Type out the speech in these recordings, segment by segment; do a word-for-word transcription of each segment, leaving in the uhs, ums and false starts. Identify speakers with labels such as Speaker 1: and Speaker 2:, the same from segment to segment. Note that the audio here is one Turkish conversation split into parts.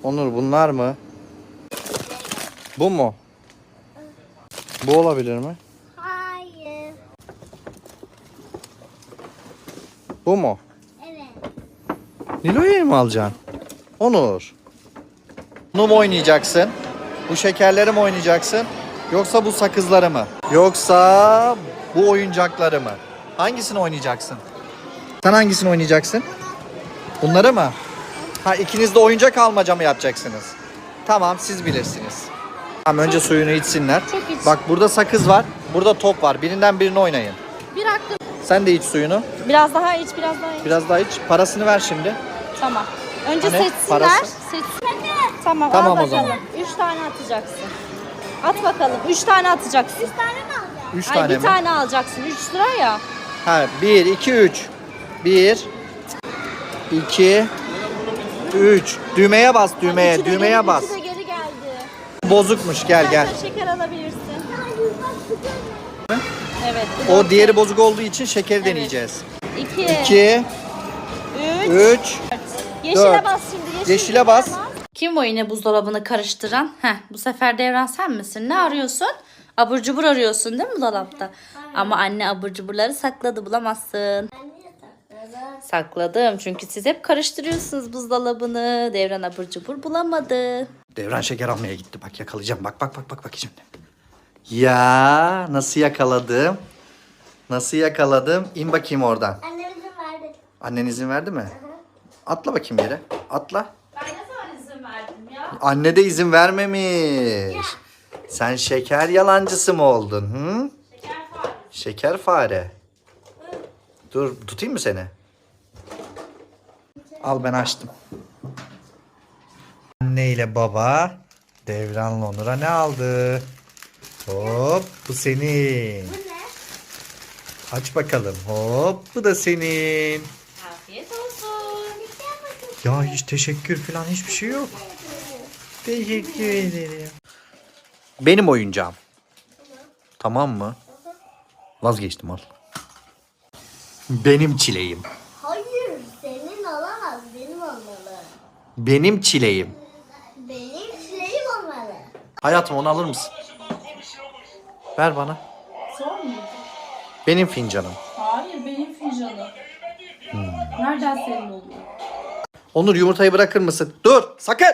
Speaker 1: Onur bunlar mı? Bu mu? Bu olabilir mi?
Speaker 2: Hayır.
Speaker 1: Bu mu?
Speaker 2: Evet.
Speaker 1: Nilo'yu mu alacaksın? Onur. Bunu mu oynayacaksın? Bu şekerleri mi oynayacaksın? Yoksa bu sakızları mı? Yoksa bu oyuncakları mı? Hangisini oynayacaksın? Sen hangisini oynayacaksın? Bunları mı? Ha, ikiniz de oyuncak almaca mı yapacaksınız? Tamam, siz bilirsiniz. Tamam, önce suyunu içsinler.
Speaker 3: Çok iç.
Speaker 1: Bak burada sakız var, burada top var. Birinden birini oynayın.
Speaker 3: Bir hakkı.
Speaker 1: Sen de iç suyunu.
Speaker 3: Biraz daha iç, biraz daha iç.
Speaker 1: Biraz daha iç. Parasını ver şimdi.
Speaker 3: Tamam. Önce
Speaker 1: Hani
Speaker 3: seçsinler.
Speaker 1: parası?
Speaker 3: Seçsin. Tamam,
Speaker 1: Tamam
Speaker 3: al
Speaker 1: o
Speaker 3: bakalım.
Speaker 1: zaman.
Speaker 3: Üç tane atacaksın. At bakalım. Üç tane atacaksın.
Speaker 2: Üç tane mi alacağız?
Speaker 1: Üç
Speaker 3: Ay,
Speaker 1: tane
Speaker 3: bir
Speaker 1: mi?
Speaker 3: tane alacaksın. Üç lira ya.
Speaker 1: Ha, bir, iki, üç. Bir, iki, üç. Düğmeye bas, düğmeye,
Speaker 3: İki de
Speaker 1: düğmeye
Speaker 3: geri,
Speaker 1: bas.
Speaker 3: İki de geri geldi.
Speaker 1: Bozukmuş, gel gel.
Speaker 3: Sen de şeker alabilirsin.
Speaker 2: Hayır bak sıkıntı.
Speaker 3: Evet. bu da
Speaker 1: O
Speaker 3: okey.
Speaker 1: diğeri bozuk olduğu için şekeri deneyeceğiz.
Speaker 3: İki.
Speaker 1: İki,
Speaker 3: Üç.
Speaker 1: üç.
Speaker 3: Yeşile
Speaker 1: dört.
Speaker 3: bas şimdi. Yeşil
Speaker 1: Yeşile bas.
Speaker 3: Kim o yine buzdolabını karıştıran? Heh, bu sefer Devran sen misin? Ne arıyorsun? Abur cubur arıyorsun değil mi dolapta? Ama anne abur cuburları sakladı, bulamazsın.
Speaker 2: Ben niye takladım?
Speaker 3: Sakladım çünkü siz hep karıştırıyorsunuz buzdolabını. Devran abur cubur bulamadı.
Speaker 1: Devran şeker almaya gitti. Bak yakalayacağım. Bak bak bak bak bak şimdi. Ya nasıl yakaladım? Nasıl yakaladım? İn bakayım oradan.
Speaker 2: Annem izin verdi.
Speaker 1: Annen izin verdi mi? Atla bakayım yere. Atla.
Speaker 3: Ben ne zaman izin verdim ya?
Speaker 1: Anne de izin vermemiş. Sen şeker yalancısı mı oldun? Hı?
Speaker 3: Şeker fare.
Speaker 1: Şeker fare. Dur tutayım mı seni? Al ben açtım. Anne ile baba Devran'la Onur'a ne aldı? Hop bu senin.
Speaker 2: Bu ne?
Speaker 1: Aç bakalım. Hop bu da senin.
Speaker 3: Afiyet olsun.
Speaker 1: Ya hiç teşekkür falan hiçbir şey yok. Teşekkür ederim. Benim oyuncağım. Tamam mı? Vazgeçtim al. Benim çileğim.
Speaker 2: Hayır senin olamaz. Benim olmalı.
Speaker 1: Benim çileğim.
Speaker 2: Benim çileğim olmalı.
Speaker 1: Hayatım onu alır mısın? Ver bana.
Speaker 3: Son mu?
Speaker 1: Benim fincanım.
Speaker 3: Hayır benim fincanım. Nereden senin oluyor?
Speaker 1: Onur yumurtayı bırakır mısın? Dur sakın.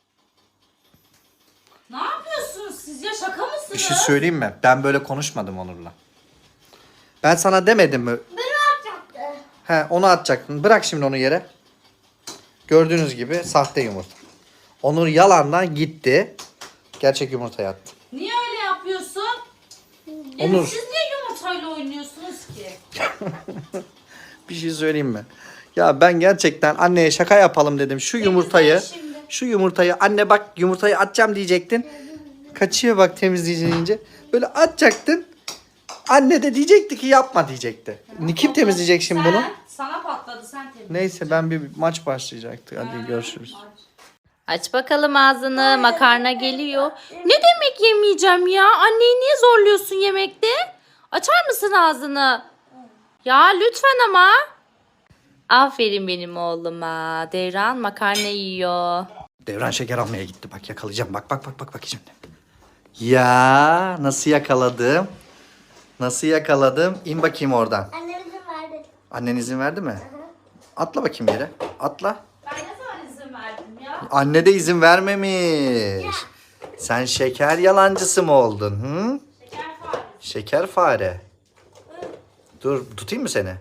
Speaker 3: Ne yapıyorsunuz siz ya, şaka mısınız?
Speaker 1: Bir şey söyleyeyim mi? Ben böyle konuşmadım Onur'la. Ben sana demedim mi?
Speaker 2: Beni atacaktı.
Speaker 1: He onu atacaktın. Bırak şimdi onu yere. Gördüğünüz gibi sahte yumurta. Onur yalandan gitti. Gerçek yumurtayı attı.
Speaker 3: Niye öyle yapıyorsun?
Speaker 1: Onur.
Speaker 3: Siz niye yumurtayla oynuyorsunuz ki?
Speaker 1: Bir şey söyleyeyim mi? Ya ben gerçekten anneye şaka yapalım dedim. Şu yumurtayı,
Speaker 3: şimdi.
Speaker 1: şu yumurtayı anne bak yumurtayı atacağım diyecektin. Kaçıyor bak temizleyince. Böyle atacaktın. Anne de diyecekti ki yapma diyecekti. Kim temizleyecek şimdi bunu?
Speaker 3: Sen, sana patladı, sen temizle.
Speaker 1: Neyse ben bir maç başlayacaktı. Hadi görüşürüz.
Speaker 3: Aç bakalım ağzını, makarna geliyor. Ne demek yemeyeceğim ya? Anneyi niye zorluyorsun yemekte? Açar mısın ağzını? Ya lütfen ama. Aferin benim oğluma. Devran makarna yiyor.
Speaker 1: Devran şeker almaya gitti. Bak yakalayacağım. Bak bak bak bak bak şimdi. Ya nasıl yakaladım? Nasıl yakaladım? İn bakayım oradan.
Speaker 2: Annem izin verdi.
Speaker 1: Annen izin verdi mi? Atla bakayım yere. Atla.
Speaker 3: Ben ne zaman izin verdim ya?
Speaker 1: Anne de izin vermemiş. Sen şeker yalancısı mı oldun? Hı?
Speaker 3: Şeker fare.
Speaker 1: Şeker fare. Dur tutayım mı seni?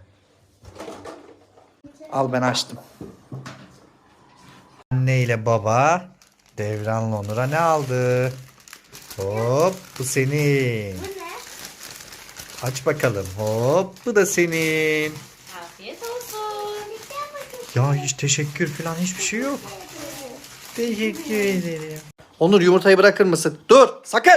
Speaker 1: Al ben açtım. Anne ile baba Devran'la Onur'a ne aldı? Hop bu senin.
Speaker 2: Bu ne?
Speaker 1: Aç bakalım. Hop bu da senin.
Speaker 3: Afiyet olsun.
Speaker 1: Ya hiç teşekkür falan hiçbir şey yok. Teşekkür ederim. Onur yumurtayı bırakır mısın? Dur sakın.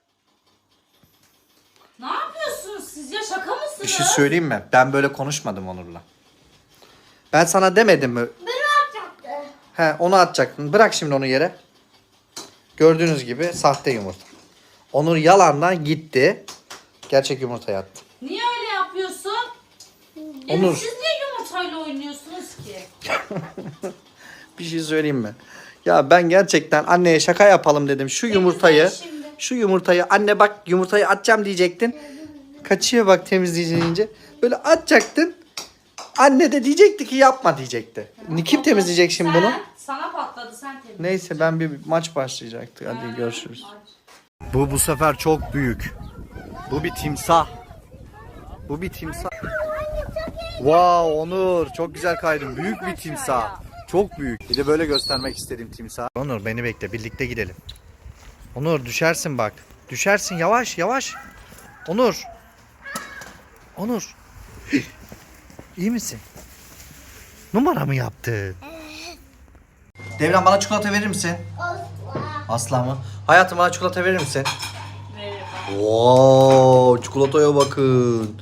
Speaker 3: Ne yapıyorsunuz siz ya, şaka mısınız?
Speaker 1: Bir şey söyleyeyim mi? Ben böyle konuşmadım Onur'la. Ben sana demedim mi?
Speaker 2: Beni atacaktı.
Speaker 1: He onu atacaktın. Bırak şimdi onu yere. Gördüğünüz gibi sahte yumurta. Onur yalandan gitti. Gerçek yumurtayı attı.
Speaker 3: Niye öyle yapıyorsun?
Speaker 1: Onur.
Speaker 3: Siz niye yumurtayla oynuyorsunuz ki?
Speaker 1: Bir şey söyleyeyim mi? Ya ben gerçekten anneye şaka yapalım dedim. Şu yumurtayı, şu yumurtayı anne bak yumurtayı atacağım diyecektin. Kaçıyor bak temizleyince. Böyle atacaktın. Anne de diyecekti ki yapma diyecekti. Kim temizleyecek şimdi bunu?
Speaker 3: Sen, sana patladı sen temizle.
Speaker 1: Neyse ben bir maç başlayacaktı. Hadi görüşürüz. Bu bu sefer çok büyük. Bu bir timsah. Bu bir timsah. Wow Onur çok güzel kaydın. Büyük bir timsah. Çok büyük. Bir de böyle göstermek istedim timsah. Onur beni bekle birlikte gidelim. Onur düşersin bak. Düşersin yavaş yavaş. Onur. Onur. İyi misin? Numara mı yaptın? Devran bana çikolata verir misin?
Speaker 2: Asla.
Speaker 1: Asla mı? Hayatım bana çikolata verir misin?
Speaker 3: Veririm.
Speaker 1: Wow, çikolataya bakın.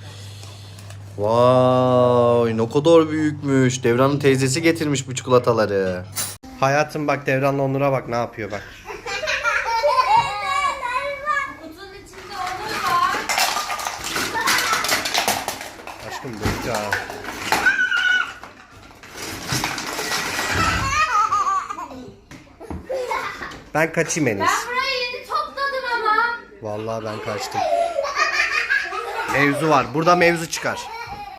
Speaker 1: Vay, ne kadar büyükmüş. Devran'ın teyzesi getirmiş bu çikolataları. Hayatım bak Devran'la Onur'a bak ne yapıyor bak.
Speaker 3: Kutunun içinde Onur var.
Speaker 1: Aşkım bekle ha. Ben kaçayım en iyisi.
Speaker 3: Ben burayı yeni topladım ama.
Speaker 1: Vallahi ben kaçtım. Mevzu var. Burada mevzu çıkar.